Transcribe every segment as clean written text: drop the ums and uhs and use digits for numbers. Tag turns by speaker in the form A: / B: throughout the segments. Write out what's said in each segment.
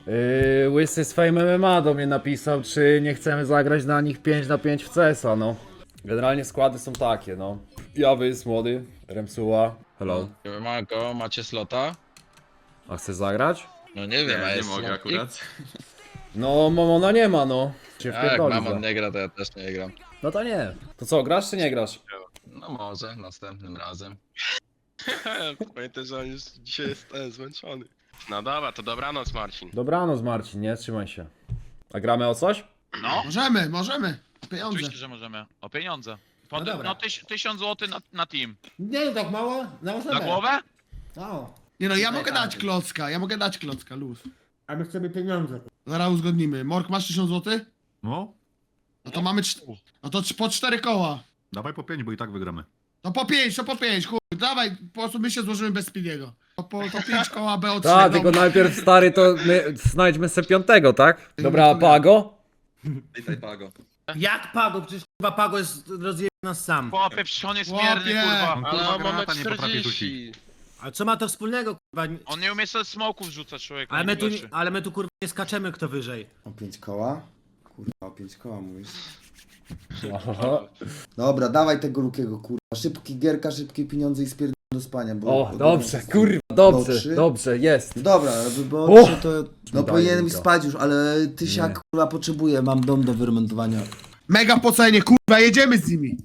A: Łysy z Fame MMA do mnie napisał, czy nie chcemy zagrać na nich 5 na 5 w CS-a, no. Generalnie składy są takie, no. Jawys, młody, Remsuła, hello.
B: Marko, macie slota?
A: A chcesz zagrać?
B: No nie wiem, a
C: Nie
B: jest
C: mogę
B: slotnik?
C: akurat.
A: No, Momona nie ma, no. Cię
B: Jak
A: wpierdoli
B: mama
A: za.
B: nie gra, to ja też nie gram.
A: No to nie. To co, grasz czy nie grasz?
B: No może, następnym razem.
D: Pamiętaj, że on już dzisiaj jest zmęczony. No dobra, to dobranoc Marcin.
A: Dobranoc Marcin, nie? Trzymaj się. A gramy o coś?
E: No,
F: Możemy. Pieniądze.
E: oczywiście, że możemy. O pieniądze.
F: No dobra.
E: 1000 zł na team.
F: Nie, tak mało? Na
E: Na głowę?
F: No.
G: Nie no, ja
F: Tutaj
G: mogę dać klocka, luz.
F: A my chcemy pieniądze.
G: Zaraz uzgodnimy. Mork, masz 1000 zł?
H: No,
G: No to mamy... No to po 4 koła.
H: dawaj po 5, bo i tak wygramy.
G: No po 5, chuj. Dawaj, po prostu my się złożymy bez Speediego. To 5 koła BO3.
A: Tak, tylko najpierw stary to my znajdźmy se piątego, tak? Dobra, a Pago?
C: Witaj Pago.
F: Jak Pago? Przecież kurwa Pago jest rozjebany nas sam.
E: Chłopie, przecież on jest
G: Chłopie.
E: mierny, kurwa.
H: On
D: Ale
H: kurwa
D: on mamy
H: granata nie potrafi
D: 40.
F: A co ma to wspólnego kurwa?
E: On nie umie sobie smoków rzucać, człowiek.
F: Ale my tu kurwa nie skaczemy kto wyżej.
I: O 5 koła? Kurwa, o 5 koła mówisz.
A: Aha.
I: Dobra, dawaj tego Lukiego, kurwa. Szybki gierka, szybkie pieniądze i spierdolę do spania, bo...
A: O, dobrze, kurwa, dobrze,
I: Trzy?
A: dobrze, jest.
I: Dobra, bo
A: O!
I: trzy to... No
A: Daj
I: powinienem
A: Luka.
I: spać już, ale tysiak, kurwa, potrzebuję, mam dom do wyremontowania.
G: Mega po cenie, kurwa, jedziemy z nimi.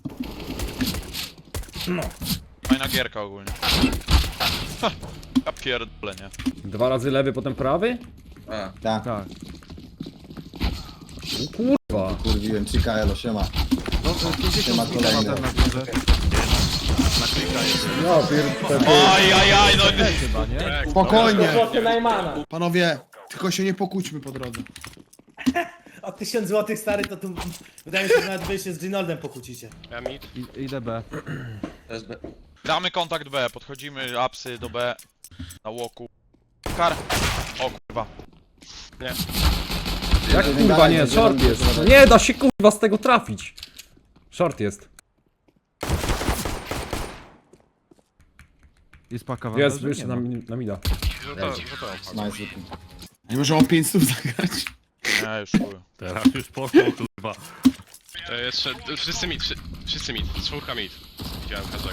E: Fajna gierka ogólnie. Ha, ja pierdolę, nie?
A: 2 razy lewy, potem prawy?
C: A,
I: Tak,
A: Tak. O kurwa.
I: kurwiłem, Chica, elo, siema. Siema kolejny.
A: No, pierdolę.
E: Aj, no
A: Chyba, nie?
G: Spokojnie. Panowie, tylko się nie pokłóćmy po drodze.
F: O 1000 zł stary to tu wydaje mi się, że nawet wy się z Ginoldem pokłócicie.
D: Ja mit.
A: Idę B.
C: też B.
E: Gramy kontakt B, podchodzimy apsy do B. Na łoku. Kar. O kurwa.
A: Jak kurwa nie, short jest. No nie da się kurwa z tego trafić. Short jest.
H: Jest paka
A: Jest, jeszcze na mida.
G: No
I: Nice, Luki.
G: Nie możemy o 500 zagrać.
E: Nie, już chuj.
H: Teraz już poszło, kurwa.
D: To jeszcze, wszyscy mit, czwórka mit. Widziałem każdego.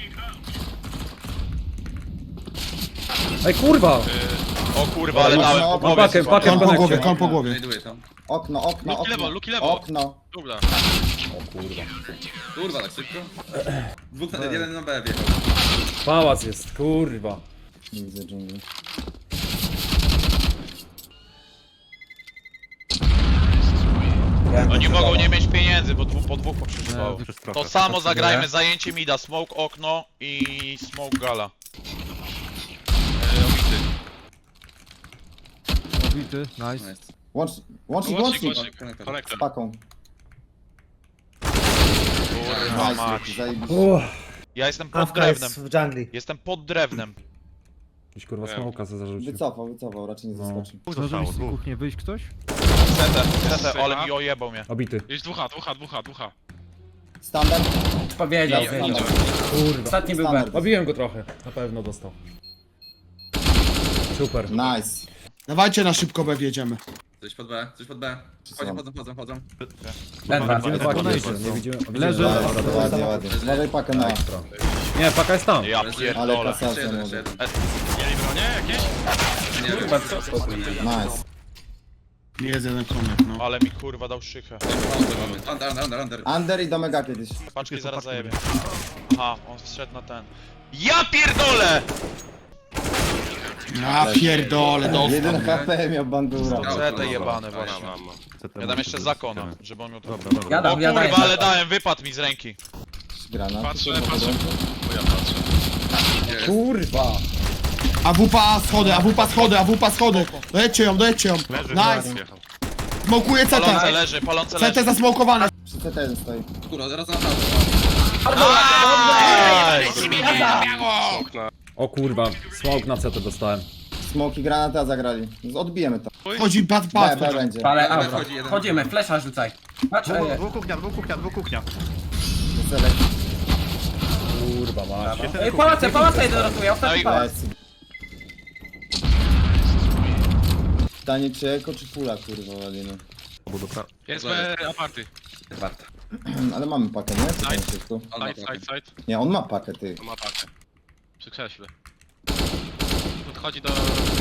A: Ej kurwa!
E: O kurwa, ale dałem po głowie.
A: Pakę, pakę,
G: Kon po
A: konekcie.
G: głowie, kon po głowie.
C: Znajduję tam.
I: Okno,
D: Luki lewo, Luki lewo.
I: okno.
D: Dobra.
C: Kurwa, tak szybko? Jeden na B wjechał.
A: Pałac jest, kurwa.
I: Nie widzę dżungli.
E: Oni mogą nie mieć pieniędzy, bo po dwóch poprzeżywało. To samo zagrajmy, zajęcie mida, smoke okno i smoke gala.
H: Obity, nice.
C: Nice.
I: Łącznik,
D: Łącznik,
I: łącznik.
D: Konektor.
I: Z paką.
E: Kurwa
I: Nice,
E: mać.
I: Luki, zajebiście.
E: Ja jestem pod
F: Awka
E: drewnem.
F: jest w dżungli.
E: Jestem pod drewnem.
A: Gdzieś kurwa smoka se zarzucił.
I: Wycofał, raczej nie zaskoczy.
H: Zdążył z kuchni wyjść ktoś?
E: CT, ale mi ojebał mnie.
A: Obity.
D: Jest dwucha.
I: Standard?
F: Powiedział,
I: Standard.
A: Kurwa.
F: Ostatni był
I: Standard.
A: Obiłem go trochę. Na pewno dostał. Super.
I: Nice.
G: Dawajcie na szybko B wjedziemy.
C: Coś pod B, coś pod B. Chodzą.
A: Widzimy paki jeszcze, nie widzimy.
H: Leży.
I: Ładnie. Uważaj pakę na...
A: Nie, paka jest tam.
E: Ja
I: Ale
E: pierdolę.
I: kasacja,
C: Jeszcze jeden,
I: młody.
C: jeszcze jeden.
D: Mieli bronie jakieś?
C: Nie wiem.
I: Nice.
G: Nie jest jeden konek, no.
E: Ale mi kurwa dał szychę.
C: Under.
I: Under i do mega kiedyś.
E: Paczki zaraz zajebie. Aha, on wszedł na ten. Ja pierdolę!
G: Ja pierdolę, dostał.
I: 1 HP miał bandura.
E: CT jebane właśnie.
D: Mam.
E: Ja dam jeszcze zakona, żeby on miał to.
H: Dobra, dobra.
E: O kurwa, ale dałem, wypadł mi z ręki.
I: Granat.
D: Patrzę. Bo ja patrzę.
A: Kurwa.
G: AWP schody. Dojedźcie ją. Nice. Smokuje
E: Palące
G: CT.
E: leży, palące
G: CT
E: leży.
G: zasmokowane.
I: Przy CT stoi.
C: Kurwa, zaraz na
E: Nice!
A: O kurwa, smoke na CT dostałem.
I: Smoki granaty, a zagrali. Odbijemy to.
G: Chodzi,
I: B
G: patrz.
I: będzie.
C: Ale wchodzi jeden.
F: Chodzimy, flesza rzucaj. Patrz,
H: Dwóch kuchnia.
I: Celek.
A: Kurwa mać.
F: Ej, pałace, jeden rotuje,
E: No i
I: Nice. Pytanie czy eko, czy pula, kurwa, walimy.
D: Jest aparty.
C: Warto.
I: Ale mamy pakę, nie? Czy tam wszystko?
C: On ma
D: Side, side, side.
I: Nie, on ma pakę, ty.
D: To ma pakę. Przy krześle. Podchodzi do...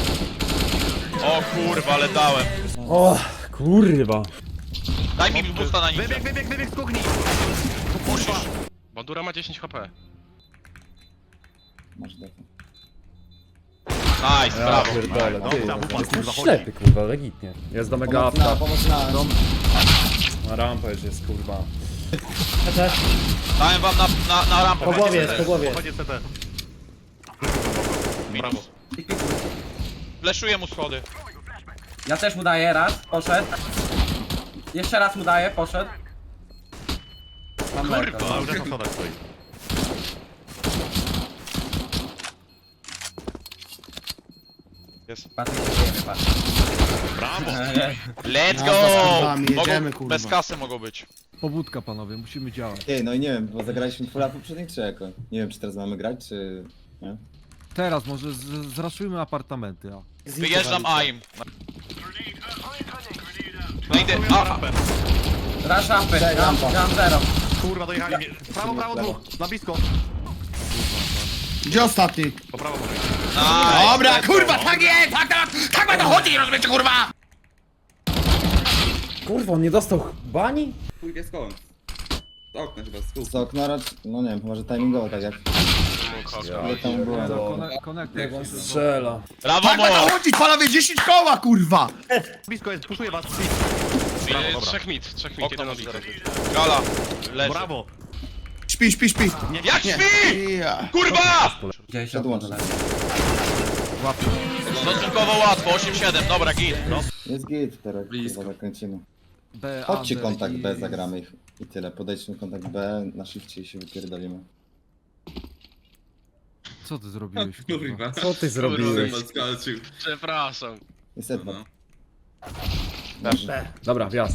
E: O kurwa, ale dałem.
A: O, kurwa.
E: Daj mi boosta na ninja.
H: Wybieg z kuchni!
E: Musisz.
D: Bandura ma 10 HP.
I: Masz defę.
E: Nice,
A: Ja
E: brawo.
A: pierdolę, ty.
H: Dobra, wupa,
A: Jestem
H: kurwa, chodzi.
A: ślepy, kurwa, legitnie. Jest do mega
I: Pomoc na,
A: apta.
I: pomoc na.
A: Na rampę już jest, kurwa.
E: Dałem wam na rampę.
F: Po głowie jest, po głowie jest.
H: Chodzi CT.
E: Minus. Fleszuję mu schody.
C: Ja też mu daję raz, poszedł. Jeszcze raz mu daję, poszedł. Mam lerkę.
H: A, już jest na schodach stoi.
C: Patrz, jak się dzieje, patrz.
E: Brawo. Let's
G: Jazda z
E: go!
G: kurwami, jedziemy,
E: Mogą,
G: kurwa.
E: bez kasy mogą być.
H: Pobudka, panowie, musimy działać.
I: Ty, no i nie wiem, bo zagraliśmy fulla poprzednich czy eko. Nie wiem, czy teraz mamy grać, czy... Nie?
H: Teraz może zraszujmy apartamenty, a.
E: Wyjeżdżam AIM. No idę.
C: Raz rampę,
I: Cześć, rampa.
C: ram zero.
H: Kurwa, dojechali mnie. Prawo, prawo, dwóch. Na blisko.
G: Gdzie ostatni?
H: Po prawo może.
E: Nice.
G: Dobra, kurwa, tak jest! Tak ma to chodzi, rozumiecie, kurwa!
A: Kurwa, on nie dostał bani?
C: Chuj jest kołem. Z okna chyba, z
I: Z okna raczej... No nie wiem, chyba, że timingowo tak jak... Ale tam było...
H: Konektor.
A: Strzela.
E: Brawo,
G: Tak ma to
E: mo!
G: chodzi, panowie, 10 koła, kurwa!
H: Blisko jest, puszuję was.
D: Brawo,
H: dobra.
D: trzech mid,
E: Okno
D: jeden
E: może
D: obity.
E: zaraz. Gala. Leży.
H: Brawo.
G: Śpi, śpi, śpi.
E: Jak śpi!
G: Ja.
E: Kurwa!
C: Gdzieś
I: Przedłączę.
E: Stosunkowo łatwo, 8-7, dobra, git. No.
I: Jest git teraz,
C: Blisko.
I: kurwa, zakręcimy.
H: B,
I: Chodźcie
H: under
I: kontakt
H: i-
I: B, zagramy ich. I tyle, podejdźmy kontakt B, na shifcie i się wypierdolimy.
H: Co ty zrobiłeś, kurwa?
C: Kurwa.
A: Co ty zrobiłeś?
C: Skalczył.
D: Przepraszam.
I: Jest Edward.
C: No.
A: Dobra, wjazd.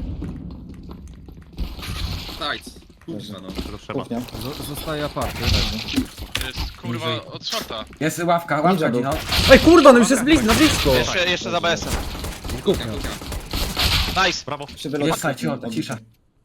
C: Nice. Kurwa no.
H: Tego trzeba.
I: Kuchnia.
H: Zostaje aparty.
D: To jest kurwa od shorta.
C: Jest ławka,
I: Ninja
C: ławka
I: był.
C: ginął.
A: Ej, kurwa, no już jest blisko, na blisko.
E: Jeszcze za BS-em.
C: Kuchnia, kuchnia.
E: Nice.
H: Brawo.
I: Przy wylocie-
C: Jest, słuchaj, cicho, cisza.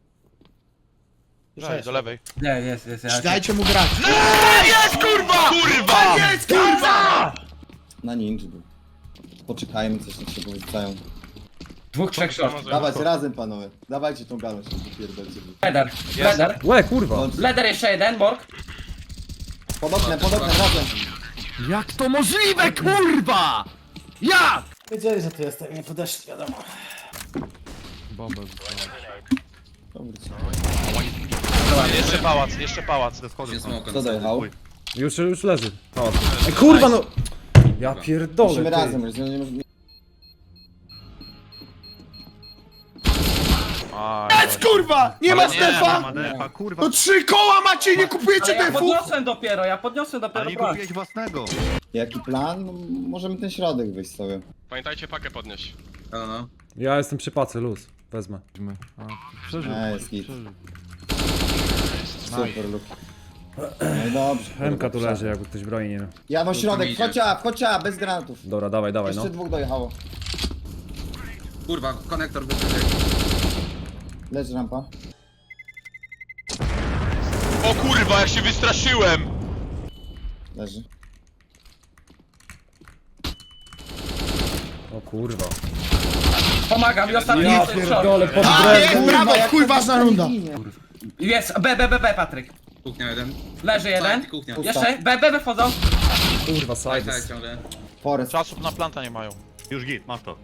E: Daj, do lewej.
C: Nie, jest, ja
G: Dajcie mu grać.
E: Jest kurwa! Kurwa!
G: Jest, kurwa!
I: Na ninja był. Poczekajmy, coś tam się powracają.
C: Dwóch, trzech short.
I: Dawajcie razem, panowie. Dawajcie tą galą, się wypierdolcie.
C: Leder, leder.
A: Łe, kurwa.
C: Leder jeszcze jeden, Borg.
I: Pod oknem, razem.
H: Jak to możliwe, kurwa! Jak?
F: Wiedzieli, że tu jestem, nie podeszli, wiadomo.
H: Bombę.
E: Jeszcze pałac, jeszcze pałac.
H: Ze schody.
C: Się smoka.
I: Kto dojechał?
A: Już leży. Pałac. Ej, kurwa, no. Ja pierdolę,
I: Musimy
A: ty.
I: razem, już nie możemy...
G: Jest, kurwa! Nie ma
E: Ale nie,
G: Stefa!
H: Ma defa, kurwa.
G: No 3 koła macie, nie kupujecie
C: Ale ja
G: defów!
C: podniosłem dopiero,
H: Ale nie
C: broń.
H: kupiłeś własnego.
I: Jaki plan? No, możemy ten środek wyjść sobie.
D: Pamiętajcie pakę podnieść.
C: No, no.
A: Ja jestem przy pacy, luz. Wezmę.
H: A, przeżył.
I: Jest git.
H: Przeżył.
I: Super look. No i dobrze.
A: Hemka tu
I: kurwa,
A: leży, jakby ktoś broni nie miał.
I: Ja no środek,
C: idzie.
I: chodź A, bez granatów.
A: Dobra, dawaj, no.
I: Jeszcze dwóch dojechało.
C: Kurwa, konektor wyszedł.
I: Leży rampa.
E: O kurwa, jak się wystraszyłem!
I: Leży.
A: O kurwa.
C: Pomagam i ostatni
A: Ja
C: jest short.
A: pierdolę, pod
G: A,
A: drewnem.
G: jest, brawo, chuj ważna runda.
C: Jest, B, Patryk. Kuchnia jeden. Leży jeden.
I: Kuchnia.
C: Jeszcze, B wchodzą.
A: Kurwa, side.
C: ciągle.
I: Forest.
E: Czasów na planta nie mają.
H: Już git, masz to.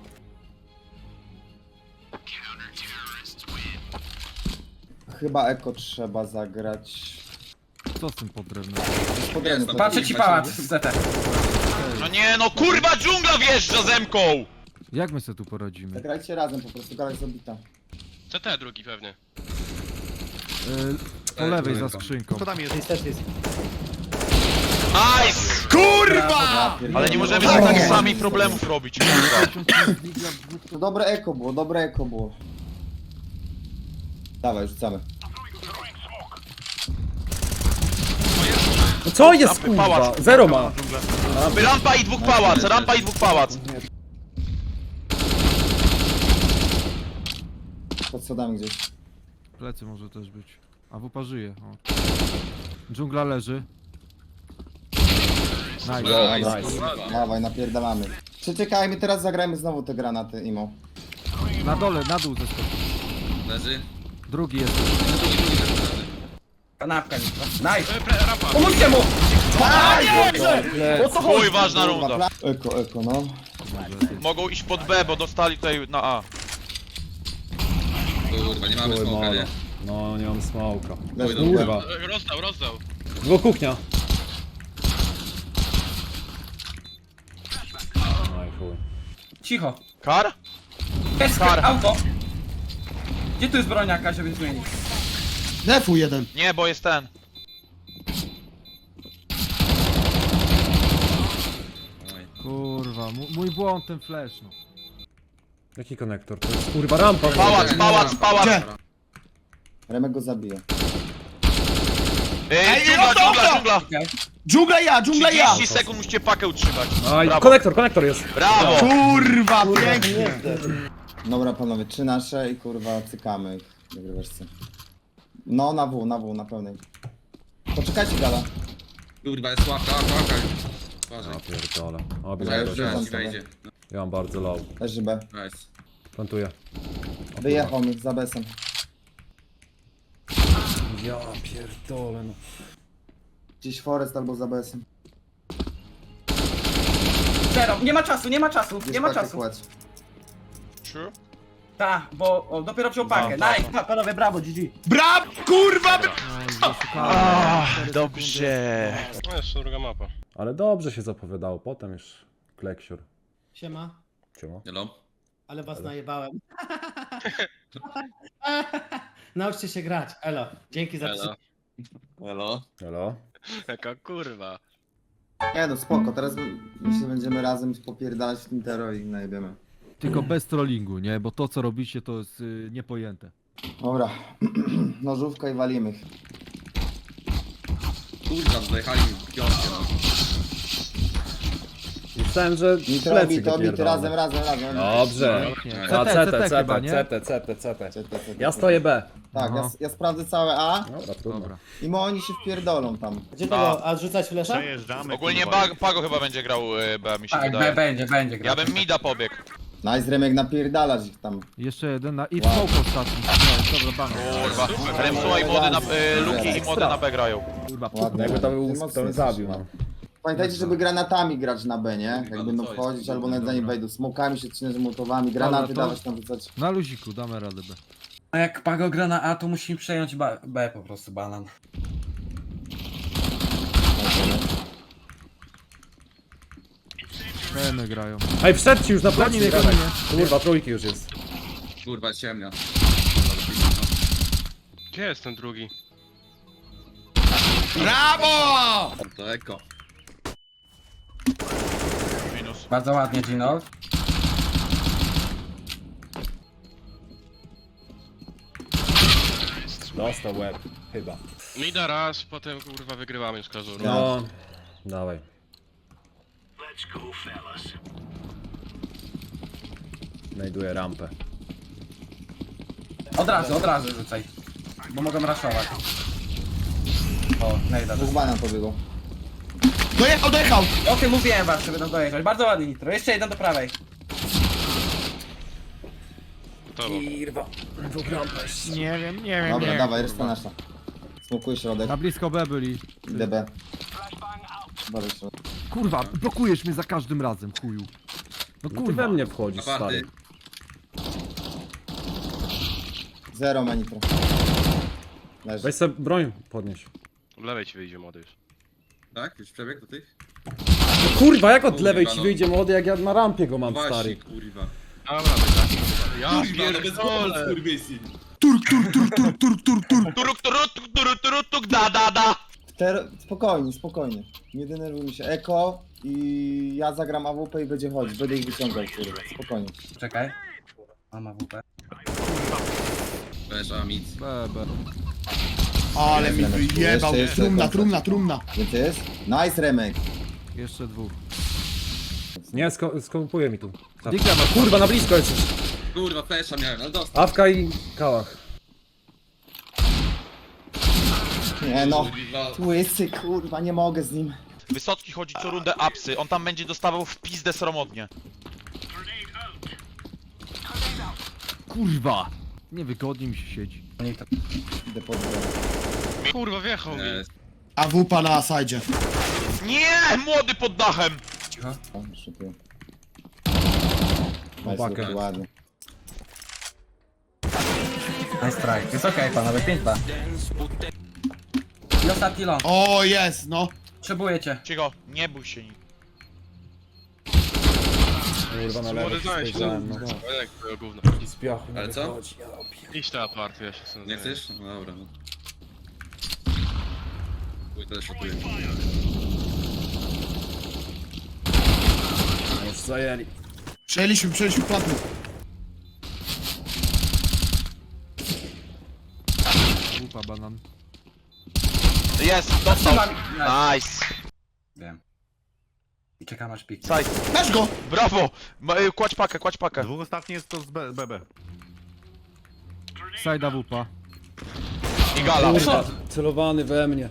I: Chyba eko trzeba zagrać.
H: Co z tym podrewnem?
I: Podręczny.
C: Patrzę ci pałac z ZT.
E: No nie no, kurwa dżungla wjeżdża zemką!
H: Jak my sobie tu poradzimy?
I: Zagrajcie razem po prostu, gala jest zabita.
D: CT drugi pewnie.
H: Po lewej za skrzynką.
G: Co tam jest?
F: Niestety jest.
E: Nice!
G: Kurwa!
E: Ale nie możemy sobie tak sami problemów robić, kurwa.
I: To dobre eko było. Dawaj, rzucamy.
A: No co jest,
E: Rampy, pałac.
A: kurwa? Zero ma.
E: Rampa i dwóch pałac, rampa i dwóch pałac.
I: pod schodami gdzieś.
H: Plecy może też być. A wupa żyje. O. Dżungla leży. Nice.
A: Nice.
I: Dawaj, napierdalamy. Przeczekajmy, teraz zagrajmy znowu te granaty, Imo.
H: Na dole, na dół zeskoczył.
B: Leży.
H: Drugi jest.
C: Kanapka nitro. Nice!
D: Rampa.
C: Pomóżcie mu!
E: Chuj, ważna runda.
I: Eko, no.
E: Mogą iść pod B, bo dostali tutaj na A.
B: Kurwa, nie mamy
A: Chuj,
B: smoka,
A: molo.
B: nie?
A: No, nie mam smoka.
I: Leż
A: Kurwa.
D: Rozdał.
A: Dwóch kuchnia. No i chuj.
C: Cicho.
E: Kar?
C: Jest
E: Kar.
C: auto. Gdzie tu jest broń jakaś, żeby zmienić?
G: Defu jeden.
E: Nie, bo jest ten.
H: Kurwa, mój błąd ten flash, no.
A: Jaki konektor? To jest kurwa rampa.
E: Pałac, pałac, pałac.
G: Gdzie?
I: Remek go zabije.
E: Dżungla, dżungla, dżungla.
G: Dżungla ja!
E: 30 sekund musicie pakę utrzymać.
A: A i
E: Brawo.
A: konektor jest.
E: Brawo!
G: Kurwa, pięknie!
I: Dobra panowie, 3 nasze i kurwa cykamy ich. Wygrywaczce. No na W, na pełnej. Poczekajcie gala.
B: Kurwa, jest łapka.
A: Ja pierdolę. O,
I: Ja już
A: biegam.
I: rzucam sobie.
A: Ja mam bardzo low.
I: Leży B.
B: Nice.
A: Plantuję.
I: Wyjechał mi za besem.
A: Ja pierdolę no.
I: Gdzieś Forest albo za besem.
C: Zero. Nie ma czasu, nie ma czasu,
I: Gdzieś
C: nie ma
I: pakę
C: czasu.
I: kładź.
E: Trzy.
C: Tak, bo o, dopiero wziął pakę. Nice, panowie, brawo, GG.
G: Braw, kurwa!
E: Dobrze.
D: No jeszcze druga mapa.
A: Ale dobrze się zapowiadało, potem już kleksiur.
F: Siema,
A: Siema.
B: Hello?
F: ale was najebałem. Nauczcie się grać, elo. Dzięki za
D: Elo.
B: Hello?
A: Hello?
D: Jaka kurwa.
I: Nie no, spoko, teraz myślę, że będziemy razem popierdalać w tym tero i najebiemy.
H: Tylko bez trollingu, nie? Bo to co robicie to jest niepojęte.
I: Dobra, nożówka i walimy ich.
B: Kurwa, dojechali mi w piątkę, no.
A: Myślałem, że
I: Nitro,
A: plecy
I: bito,
A: go
I: bity,
A: pierdolę.
I: razem.
A: Dobrze. A
H: CT chyba, nie?
A: CT. Ja stoję B.
I: Tak,
H: Aha.
I: ja sprawdzę całe A
A: Dobra, trudno.
H: Dobra.
I: i oni się wpierdolą tam.
F: Gdzie tego, a rzucać flesza?
E: Ogólnie Pago chyba będzie grał B, mi się
C: Tak,
E: wydaje.
C: będzie
E: Ja
C: grał.
E: bym mida pobiegł.
I: Nice, Remek, napierdalasz ich tam.
H: Jeszcze jeden na... I smoke ostatni. Nie, dobra, bana.
E: Kurwa. Remsuła i mody na... Luki i mody na B grają.
H: Kurwa,
I: Ładnie.
A: Jakby to był,
I: Ty
A: to
I: mocno
A: bym
I: jesteś,
A: zabił,
I: no.
A: no.
I: Pamiętajcie, żeby granatami grać na B, nie? Jak
B: no
I: będą
B: co jest?
I: wchodzić albo nawet zanim wejdą. Smokami się trzymać, motowami, granaty
H: Dobra, to-
I: dawać tam rzucać.
H: Na luziku, damy radę B.
C: A jak Pago gra na A, to musimy przejąć B po prostu, banan.
H: Peny grają.
A: Ej, wszedł ci już na
H: Goni mnie,
A: plecy.
H: goni mnie.
A: Kurwa, trójki już jest.
B: Kurwa, ciemnia.
D: Gdzie jest ten drugi?
G: Brawo!
B: To eko.
E: Minus.
C: Bardzo ładnie, Gino.
A: Dostał łeb. Chyba.
D: Mida raz, potem kurwa wygrywamy z Kazuru.
A: No. Dawaj. Znajduję rampę.
C: Od razu rzucaj. Bo mogą raszować. O, najda.
I: Dwóch banan pobiegł.
G: Dojechał!
C: O tym mówiłem was, że będą dojeżdżać. Bardzo ładnie, Nitro. Jeszcze jeden do prawej.
D: To
H: Nie wiem.
I: Dobra, dawaj, reszta nasza. Smokuj środek,
H: Na blisko B byli.
I: DB. Uważaj środek.
H: Kurwa, blokujesz mnie za każdym razem, chuju. No
A: Ty
H: kurwa.
A: we mnie wchodzisz, stary.
B: Aparty.
I: Zero ma nitro. Leży.
A: Weź sobie broń podnieś.
D: w lewej ci wyjdzie młody już.
B: Tak? Już przebieg do tych?
A: No kurwa, jak od
B: Kurwa,
A: lewej ci
B: no.
A: wyjdzie młody, jak ja na rampie go mam,
B: Właśnie,
A: stary.
B: kurwa.
D: Dobra, tak. Ja
B: Kurwa, no bez
D: pierdolę.
B: kurwysi.
E: Turuk, turuk, da.
I: Spokojnie. Nie denerwuj mi się. Eko i ja zagram AWP i będzie chodzić. Będę ich wyciągał, kurwa. Spokojnie.
C: Czekaj. Mama WP.
B: Weź, a mit.
H: B.
G: Ale mi wyjebał,
I: Jeszcze,
G: trumna.
I: Więcej jest? Nice, Remek.
H: Jeszcze dwóch.
A: Nie, skopuje mi tu.
H: Dika ma
A: Kurwa, na blisko jesteś.
B: Kurwa, flesza miałem, ale dostał.
A: Awka i kałach.
I: Nie no,
B: Kurwa.
I: łysy, kurwa, nie mogę z nim.
E: Wysocki chodzi co rundę apsy, on tam będzie dostawał w pizdę sromotnie.
H: Kurwa! Niewygodnie mi się siedzi.
I: Idę pod górę.
D: Kurwa, wjechał mi.
B: Jest.
G: A wupa na sajdzie.
E: Nie! Młody pod dachem!
I: O, szykuję.
A: Chłopakę.
I: Nice, ładnie.
C: Nice try. Jest okej, panowie, 5-2. I ostatni long.
G: O, jest, no.
C: Potrzebujecie.
E: Cicho, nie bój się nikt.
A: Kurwa, na lewo
D: Młody znaleźć,
A: spojrzałem,
D: no.
A: no.
D: Jak to gówno.
A: I z piachu nie
B: Ale co?
A: wychodzi. Ja pier-
D: Iść na aparty, ja się sobie
B: Nie chcesz? No dobra, no. Chuj, też szokuję.
A: Już zajęli.
G: Przejęliśmy platny.
H: Łupa, banan.
E: Jest, dostał! Nice!
C: Wiem. I czekam aż pik.
E: Saj,
G: Masz go!
E: brawo! Kładź pakę, kładź pakę.
J: Dwóch ostatni jest to z BB.
H: Sajda wupa.
E: I gala.
A: Kurwa, celowany we mnie.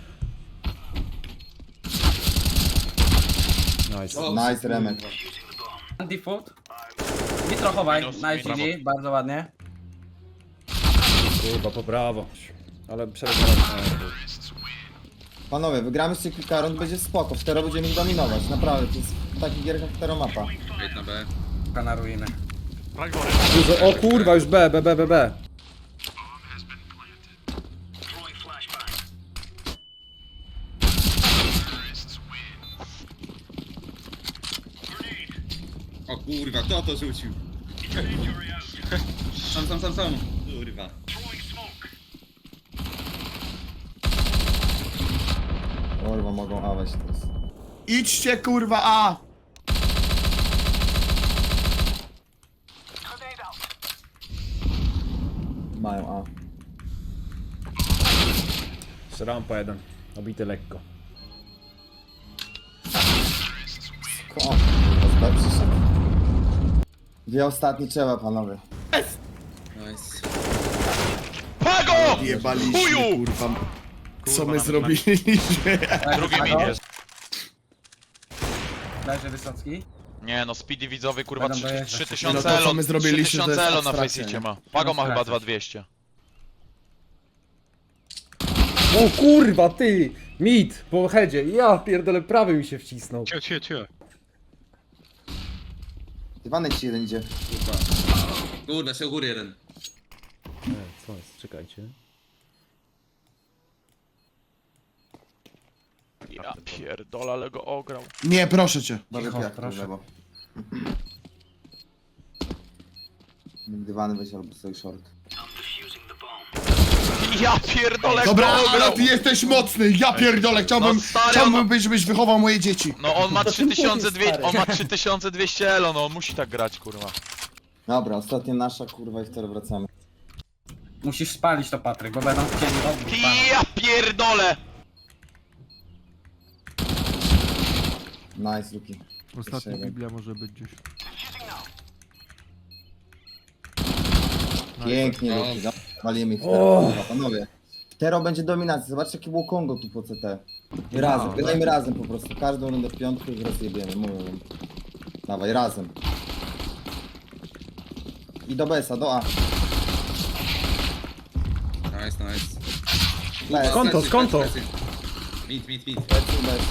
A: Nice.
B: O,
I: Nice, Remek.
C: Default. Nitro chowaj.
E: Minus,
C: Nice
E: brawo.
C: GG, bardzo ładnie.
A: Kurwa, po prawo. Ale przed
I: Panowie, wygramy jeszcze kilka rund, będzie spoko. W Tero będziemy ich dominować, naprawdę. To jest w takich gierkach Tero mapa.
B: Wejdę na B.
C: Kanarujemy.
A: Dużo, o kurwa, już B, B, B, B, B.
B: O kurwa, kto to rzucił? Sam. Kurwa.
I: Kurwa, mogą awać teraz.
G: Idźcie, kurwa, A!
I: Mają A.
A: Jeszcze rampa jeden. Obity lekko.
I: O, kurwa, z B przyszedł. Dwie ostatnie trzeba, panowie.
B: Nice.
E: Pago!
G: Jebaliśmy,
E: Chuju!
G: kurwa. Co my
E: nam-
G: zrobiliśmy?
E: Drugi mid jest.
C: Leży Wysocki.
E: Nie no, speedy widzowy kurwa
C: Będą dojeżdżać.
E: 3000
G: No to, co
E: elo,
G: my zrobiliśmy, to
E: 3000
G: jest
E: elo na
G: abstrakcja,
E: Faceicie
G: nie?
E: ma. Pago ma chyba
C: Abstrakcja.
E: 2200.
A: O kurwa, ty! Mit, po headzie. Ja pierdolę, prawy mi się wcisnął.
D: Cicho.
I: Iwanek ci jeden idzie.
B: Kurwa. Kurwa, się u góry jeden.
A: Co jest? Czekajcie.
E: Ja pierdolę, ale go ograł.
G: Nie, proszę cię.
I: Bardzo
C: Cicho,
I: piach,
C: proszę.
I: lewo. Dywany weź albo sobie short.
E: Ja pierdolę,
G: Dobra,
E: go
G: ale
E: ograł.
G: ty jesteś mocny, ja pierdolę,
E: No stary,
G: chciałbym, żebyś wychował moje dzieci.
E: No on ma 3200, on ma 3200 elo, no on musi tak grać kurwa.
I: Dobra, ostatnia nasza, kurwa, i w Tero wracamy.
C: Musisz spalić to, Patryk, bo będą chcieli odbić pana.
E: Ja pierdolę!
I: Nice, Luki.
H: Ostatnia
I: jeden.
H: Biblia może być gdzieś.
I: Pięknie,
B: No.
I: Luki. Walimy ich w Tero,
A: O.
I: kurwa, panowie. Tero będzie dominacja, zobaczcie jakie było Kongo tu po CT. I razem, grajmy razem po prostu. Każdą rundę w piątku i rozjebiemy, mówię wam. Dawaj, razem. I do BS-a, do A.
B: Nice.
I: Bez,
A: Konto, konto.
B: Mid.
I: BS, BS.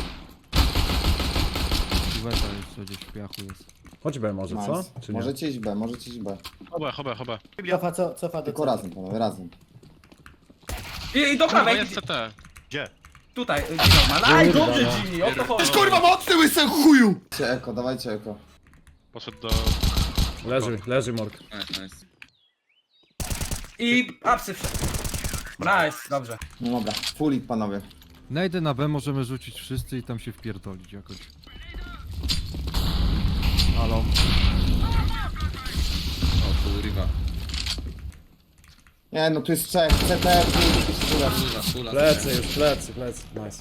H: Kuweta jeszcze gdzieś w piachu jest.
A: Chodź B może, co?
I: Nice.
A: Czy nie?
I: Możecie iść B, możecie iść B.
D: Choba.
F: Cofa do
I: Tylko razem, panowie, razem.
C: I do
D: Kurwa,
C: prawej.
D: jest CT.
J: Gdzie?
C: Tutaj, Gino ma. Aj, dobrze Gini, o to chodzi.
G: Jesteś kurwa mocny, łysy chuju!
I: Dawajcie eko, dawajcie eko.
D: Poszedł do...
A: Leży Morg.
B: Nice.
C: I apsy wszedł. Nice, dobrze.
I: No dobra, full it, panowie.
H: Najdę na B, możemy rzucić wszyscy i tam się wpierdolić jakoś. Halo.
B: O kurwa.
I: Nie no, tu jest trzech, CT,
B: Fula.
A: Plecy już, plecy. Nice.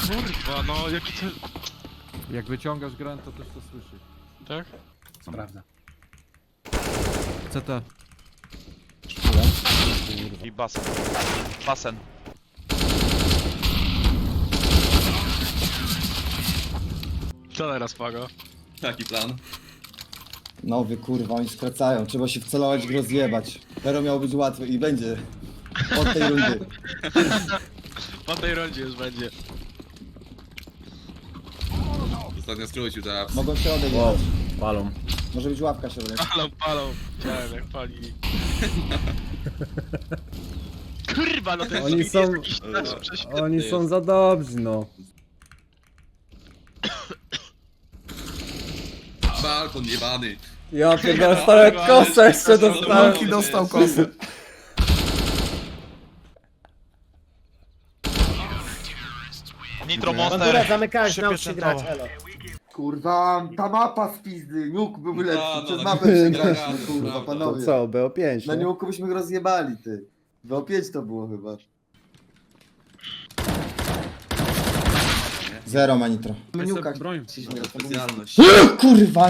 D: Kurwa, no jaki to...
H: Jak wyciągasz grę, to też to słyszy.
D: Tak?
C: Prawda.
H: CT.
E: I basen. Basen.
D: Co teraz, Pago?
B: Taki plan.
I: Nowy kurwa, oni skracają. Trzeba się wcelować i go rozjebać. Tero miało być łatwe i będzie. Od tej rundy.
D: Po tej rundzie już będzie.
B: Ostatnio skrócił teraz.
I: Mogą się odejść.
A: Wow, palą.
I: Może być ławka się odejść.
D: Palą. Chciałem jak palili. Kurwa, no ten
A: Oni
D: speed
A: są-
D: jest jakiś nasz prześwietny
A: Oni
D: jest.
A: są za dobrzy, no.
B: Balkon jebany.
A: Ja pierdolę, stare kosę jeszcze dostałem.
B: Luki dostał kosę.
E: Nitro
F: Bandura,
E: Monster.
F: zamykałeś, naucz się grać, elo.
I: Kurwa, ta mapa z pizdy. Nuke byłby lepszy.
B: No,
I: Przez
B: no,
I: mapę
B: no,
I: przegrać,
B: no,
I: kurwa,
B: no,
A: To
I: panowie.
A: co, BO5,
I: Na
A: nie?
I: Nuke byśmy go rozjebali, ty. BO5 to było chyba. Zero ma nitro. Meniuka.
B: Specjalność.
I: Kurwa!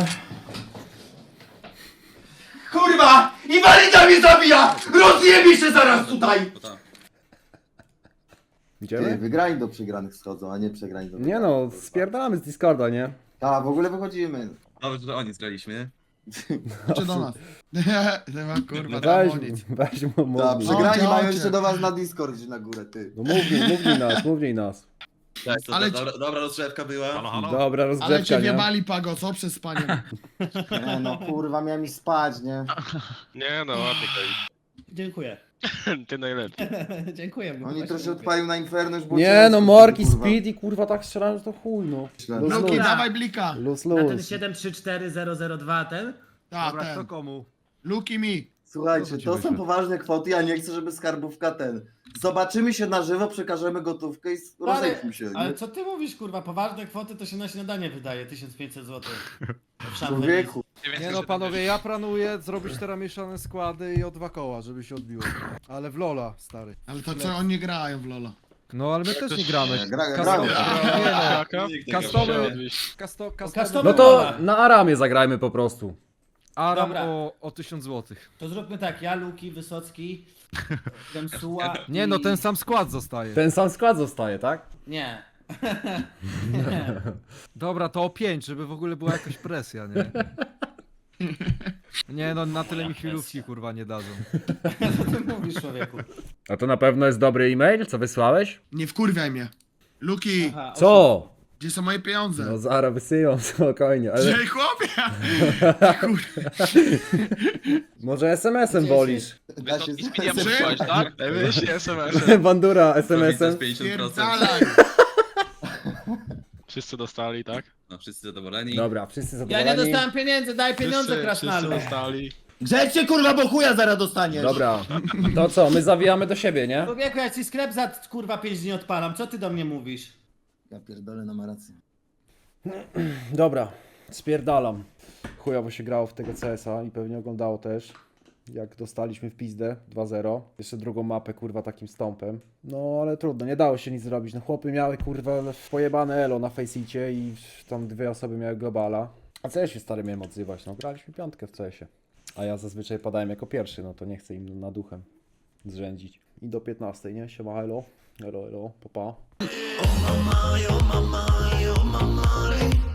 I: Kurwa! Inwalida mnie zabija! Rozjebie się zaraz tutaj!
B: To tak.
I: Ty,
A: Idziemy?
I: wygrani do przegranych schodzą, a nie przegrani do
A: Nie no, spierdalamy z Discorda, nie?
I: A, w ogóle wychodzimy.
B: Dobrze, że oni zgraliśmy.
G: Czy do nas? Nie ma kurwa,
A: Weź,
G: tam nic.
A: weź mu,
I: Ta,
A: mówni.
G: Chodźcie,
I: przegrani mają
G: chodźcie.
I: jeszcze do was na Discord gdzieś na górę, ty.
A: No mówni nas.
G: Ale-
B: Dobra rozgrzewka była.
A: Dobra,
G: Ale
A: rozgrzewka,
G: cię
A: nie?
G: wiebali, Pago, co przez panie?
I: Nie no, kurwa, miałem iść spać, nie?
D: Nie no, ładnie
F: Dziękuję.
D: ty najlepszy.
F: Dziękuję.
I: Oni troszkę odpalił na Inferno, już było
A: Nie
I: ciężko,
A: no, Morki,
I: kurwa.
A: Speed i kurwa tak strzelałem, że to chuj no. Luz,
G: Luki,
A: luz,
G: dawaj blika.
A: luz,
F: Na ten
A: luz.
F: 734002 ten?
G: Tak,
H: Dobra, kto
G: ten.
H: komu?
G: Luki mi.
I: Słuchajcie,
H: ci
I: to są
H: wyślę?
I: poważne kwoty, ja nie chcę, żeby skarbówka ten. Zobaczymy się na żywo, przekażemy gotówkę i rozejdźmy się,
F: Ale
I: nie?
F: co ty mówisz, kurwa? Poważne kwoty to się na śniadanie wydaje, 1500 zł.
I: Człowieku.
H: Nie no panowie, ja planuję zrobić teraz mieszane składy i o 2 koła, żeby się odbiło. Ale w Lola, stary.
G: Ale to co, oni grają w Lola.
H: No ale my też nie gramy.
I: Gramy.
H: Nie no,
D: Jaka?
H: customy,
F: Customy-
A: No to na Aramie zagrajmy po prostu.
H: Aram
F: Dobra.
H: o 1000 zł.
F: To zróbmy tak, ja, Luki, Wysocki, Demsuła
H: Nie no, ten sam skład zostaje.
A: Ten sam skład zostaje, tak?
F: Nie.
H: Dobra, to o 5, żeby w ogóle była jakaś presja, nie? Nie no, na tyle mi chwilówki kurwa nie dadzą.
F: Co ty mówisz, człowieku?
A: A to na pewno jest dobry e-mail, co wysłałeś?
G: Nie wkurwiaj mnie. Luki,
F: Aha,
A: Co?
G: gdzie są moje pieniądze?
A: No zaraz wysyłam, spokojnie, ale
G: Gdzie chłopie?
A: może SMS-em wolisz?
I: Da się
E: I Speedia
G: Czy-
E: wysłałeś, tak?
D: Wyślij SMS-em.
A: Bandura
B: To
A: SMS-em.
B: 50%.
G: Pierdalaj.
D: Wszyscy dostali, tak?
B: No wszyscy zadowoleni.
A: Dobra, wszyscy
F: Ja
A: zadowoleni.
F: nie dostałem pieniędzy, daj pieniądze, krasnalu.
D: Wszyscy dostali.
I: Grzecznie, kurwa, bo chuja zaraz dostaniesz!
A: Dobra, to co, my zawijamy do siebie, nie?
F: Człowieku, ja ci sklep za kurwa 5 dni odpalam, co ty do mnie mówisz?
I: Ja pierdolę, no ma rację.
A: Dobra, spierdalam. Chujowo się grało w tego CS-a i pewnie oglądało też. Jak dostaliśmy w pizdę 2-0. Jeszcze drugą mapę, kurwa, takim stąpem. No ale trudno, nie dało się nic zrobić. No chłopy miały, kurwa, pojebane elo na Faceicie i tam 2 osoby miały globala. A co ja się stary miałem odzywać? No graliśmy piątkę w CS-ie. A ja zazwyczaj padałem jako pierwszy, no to nie chcę im na duchem zrzędzić. I do 15, nie? Siema, elo. Elo, elo, papa.